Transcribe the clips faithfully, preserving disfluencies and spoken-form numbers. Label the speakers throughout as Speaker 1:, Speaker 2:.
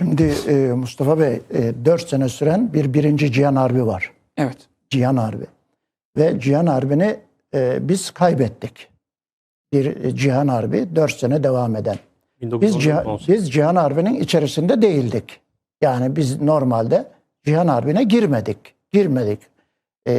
Speaker 1: Şimdi e, Mustafa Bey e, dört sene süren bir birinci Cihan Harbi var.
Speaker 2: Evet.
Speaker 1: Cihan Harbi. Ve Cihan Harbi'ni e, biz kaybettik. Bir e, Cihan Harbi dört sene devam eden. Biz, Cihan, biz Cihan Harbi'nin içerisinde değildik. Yani biz normalde Cihan Harbi'ne girmedik. Girmedik. E,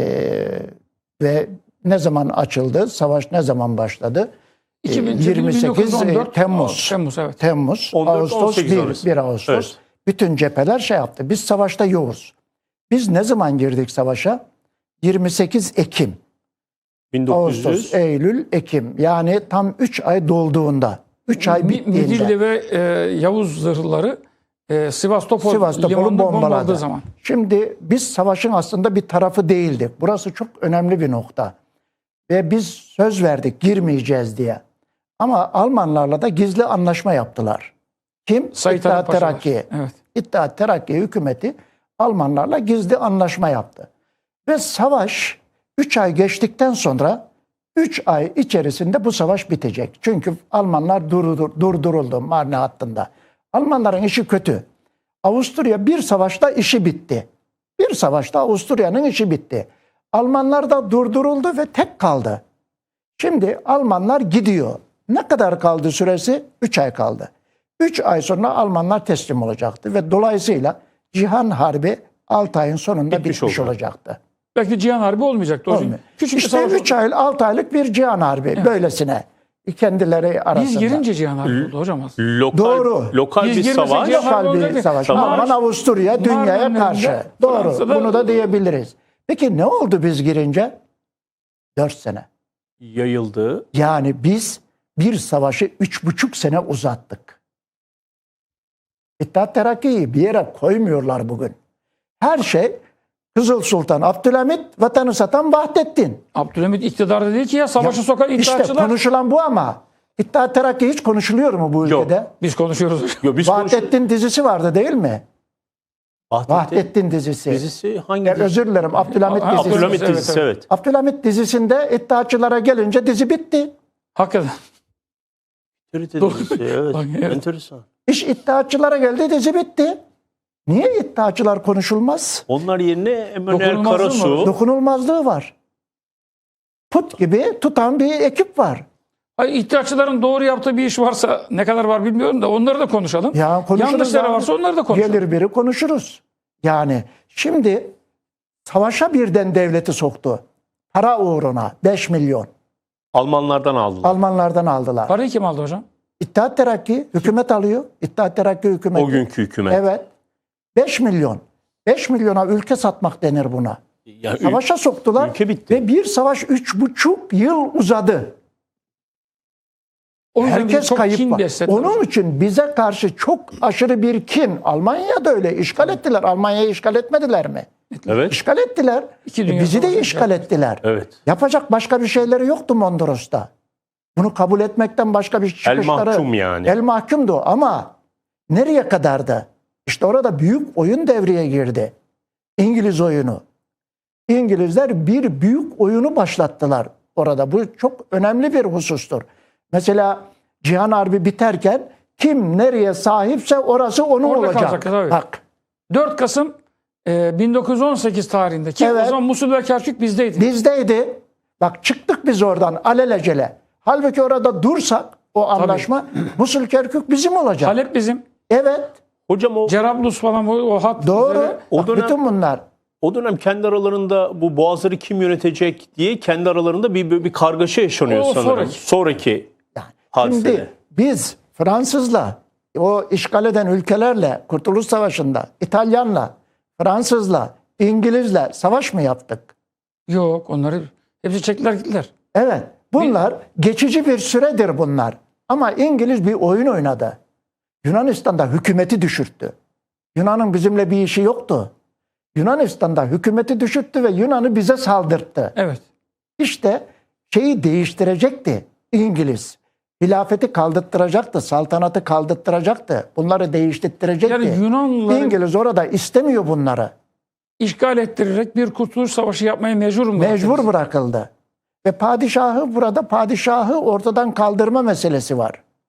Speaker 1: ve ne zaman açıldı? Savaş ne zaman başladı?
Speaker 2: iki bin,
Speaker 1: yirmi sekiz
Speaker 2: on dört,
Speaker 1: Temmuz.
Speaker 2: Temmuz, evet.
Speaker 1: Temmuz,
Speaker 3: on dört,
Speaker 1: Ağustos, bir, bir Ağustos.
Speaker 3: Evet.
Speaker 1: Bütün cepheler şey yaptı. Biz savaşta yoğuz. Biz ne zaman girdik savaşa? yirmi sekiz Ekim.
Speaker 3: bin dokuz yüz.
Speaker 1: Ağustos, Eylül, Ekim. Yani tam üç ay dolduğunda. üç ay bittiğinde.
Speaker 2: Midilli ve e, Yavuz zırhları e, Sivastopol,
Speaker 1: Sivastopol'u
Speaker 2: limanını
Speaker 1: bombaladı.
Speaker 2: bombaladığı zaman.
Speaker 1: Şimdi biz savaşın aslında bir tarafı değildik. Burası çok önemli bir nokta. Ve biz söz verdik girmeyeceğiz diye. Ama Almanlarla da gizli anlaşma yaptılar. Kim?
Speaker 2: Sait
Speaker 1: İttihat
Speaker 2: Ali Paşalar.
Speaker 1: Terakki.
Speaker 2: Evet.
Speaker 1: İttihat Terakki hükümeti Almanlarla gizli anlaşma yaptı. Ve savaş üç ay geçtikten sonra üç ay içerisinde bu savaş bitecek. Çünkü Almanlar durdur, durduruldu Marne hattında. Almanların işi kötü. Avusturya bir savaşta işi bitti. Bir savaşta Avusturya'nın işi bitti. Almanlar da durduruldu ve tek kaldı. Şimdi Almanlar gidiyor. Ne kadar kaldı süresi? üç ay kaldı. üç ay sonra Almanlar teslim olacaktı ve dolayısıyla Cihan Harbi altı ayın sonunda bitmiş, bitmiş olacaktı.
Speaker 2: Belki Cihan Harbi olmayacaktı. O
Speaker 1: Olmuyor.
Speaker 2: Küçük
Speaker 1: işte üç ay, altı aylık bir Cihan Harbi evet. Böylesine kendileri arasında.
Speaker 2: Biz girince Cihan Harbi oldu hocam.
Speaker 3: Lokal,
Speaker 1: Doğru.
Speaker 3: Lokal
Speaker 2: Biz
Speaker 3: bir savaş.
Speaker 1: Lokal bir savaş. Alman Avusturya dünyaya karşı. Doğru.
Speaker 2: Fransa'da,
Speaker 1: bunu da diyebiliriz. Peki ne oldu biz girince? dört sene.
Speaker 3: Yayıldı.
Speaker 1: Yani biz bir savaşı üç buçuk sene uzattık. İttihat Terakki'yi bir yere koymuyorlar bugün. Her şey Kızıl Sultan Abdülhamit, vatanı satan Vahdettin.
Speaker 2: Abdülhamit iktidarda değil ki ya savaşı ya, sokan iddiaçılar.
Speaker 1: İşte konuşulan bu ama İttihat Terakki hiç konuşuluyor mu bu
Speaker 2: Yok,
Speaker 1: ülkede?
Speaker 2: Biz konuşuyoruz.
Speaker 3: Yok, biz
Speaker 1: Vahdettin
Speaker 3: konuşuyoruz.
Speaker 1: dizisi vardı değil mi?
Speaker 3: Vahdettin,
Speaker 1: Vahdettin dizisi.
Speaker 3: Dizisi hangi
Speaker 1: ya,
Speaker 3: dizi?
Speaker 1: Özür dilerim Abdülhamit
Speaker 2: Ha,
Speaker 1: dizisi.
Speaker 3: Abdülhamit dizisi evet. evet.
Speaker 1: Abdülhamit dizisinde iddiaçılara gelince dizi bitti.
Speaker 2: Hakikaten.
Speaker 3: Dizisi, evet.
Speaker 2: evet.
Speaker 3: Enteresan.
Speaker 1: İş iddiaçılara geldi dizi bitti. Niye iddiaçılar konuşulmaz?
Speaker 3: Onlar yerine Emmanuel Karasu.
Speaker 1: Dokunulmazlığı var. Put gibi tutan bir ekip var.
Speaker 2: Hayır, iddiaçıların doğru yaptığı bir iş varsa ne kadar var bilmiyorum da onları da konuşalım.
Speaker 1: Ya
Speaker 2: yanlışları varsa onları da konuşalım.
Speaker 1: Gelir biri konuşuruz. Yani şimdi savaşa birden devleti soktu. Para uğruna beş milyon.
Speaker 3: Almanlardan aldılar.
Speaker 1: Almanlardan aldılar.
Speaker 2: Parayı kim aldı hocam?
Speaker 1: İttihat Terakki hükümet alıyor. İttihat Terakki hükümeti.
Speaker 3: O günkü hükümet.
Speaker 1: Evet. beş milyon. beş milyona ülke satmak denir buna.
Speaker 3: Ya,
Speaker 1: Savaşa soktular
Speaker 3: ülke bitti.
Speaker 1: ve bir savaş üç buçuk yıl uzadı.
Speaker 2: O
Speaker 1: Herkes
Speaker 2: çok
Speaker 1: kayıp
Speaker 2: kin
Speaker 1: var.
Speaker 2: beslediler.
Speaker 1: Onun için bize karşı çok aşırı bir kin. Almanya da öyle işgal ettiler. Almanya'yı işgal etmediler mi?
Speaker 3: Evet.
Speaker 1: İşgal ettiler.
Speaker 2: İki
Speaker 1: E,
Speaker 2: dünya
Speaker 1: bizi de
Speaker 2: savaşı
Speaker 1: işgal ettiler.
Speaker 3: Evet.
Speaker 1: Yapacak başka bir şeyleri yoktu Mondros'ta. Bunu kabul etmekten başka bir çıkışları.
Speaker 3: El mahkum yani.
Speaker 1: El mahkumdu ama nereye kadardı? İşte orada büyük oyun devreye girdi. İngiliz oyunu. İngilizler bir büyük oyunu başlattılar orada. Bu çok önemli bir husustur. Mesela Cihan Harbi biterken kim nereye sahipse orası onun
Speaker 2: Orada
Speaker 1: olacak.
Speaker 2: kalacak, tabii.
Speaker 1: Bak.
Speaker 2: dört Kasım e, bin dokuz yüz on sekiz tarihinde ki
Speaker 1: Evet.
Speaker 2: o zaman Musul ve Kerkük bizdeydi.
Speaker 1: Bizdeydi. Bak çıktık biz oradan alelacele. Halbuki orada dursak o anlaşma Musul Kerkük bizim olacak.
Speaker 2: Halep bizim.
Speaker 1: Evet.
Speaker 3: Hocam o
Speaker 2: Cerablus falan o, o hat.
Speaker 1: Doğru.
Speaker 2: üzere-
Speaker 3: O
Speaker 1: Bak,
Speaker 3: dönem-
Speaker 1: bütün bunlar.
Speaker 3: o dönem kendi aralarında bu boğazları kim yönetecek diye kendi aralarında bir bir, bir kargaşa yaşanıyor
Speaker 2: O
Speaker 3: sanırım.
Speaker 2: sonraki.
Speaker 3: Sonraki
Speaker 1: Yani
Speaker 3: hadisede.
Speaker 1: şimdi biz Fransızla, o işgal eden ülkelerle Kurtuluş Savaşı'nda, İtalyanla, Fransızla, İngilizle savaş mı yaptık?
Speaker 2: Yok, onları hepsi çektiler gittiler.
Speaker 1: Evet. Bunlar geçici bir süredir bunlar. Ama İngiliz bir oyun oynadı. Yunanistan'da hükümeti düşürttü. Yunan'ın bizimle bir işi yoktu. Yunanistan'da hükümeti düşürttü ve Yunan'ı bize saldırttı.
Speaker 2: Evet.
Speaker 1: İşte şeyi değiştirecekti İngiliz. Hilafeti kaldırttıracaktı, saltanatı kaldırttıracaktı. Bunları değiştirecekti.
Speaker 2: Yani Yunanlıları
Speaker 1: İngiliz orada istemiyor bunları.
Speaker 2: işgal ettirerek bir kurtuluş savaşı yapmaya mecbur mu?
Speaker 1: Mecbur bırakıldı. Ve padişahı burada padişahı ortadan kaldırma meselesi var.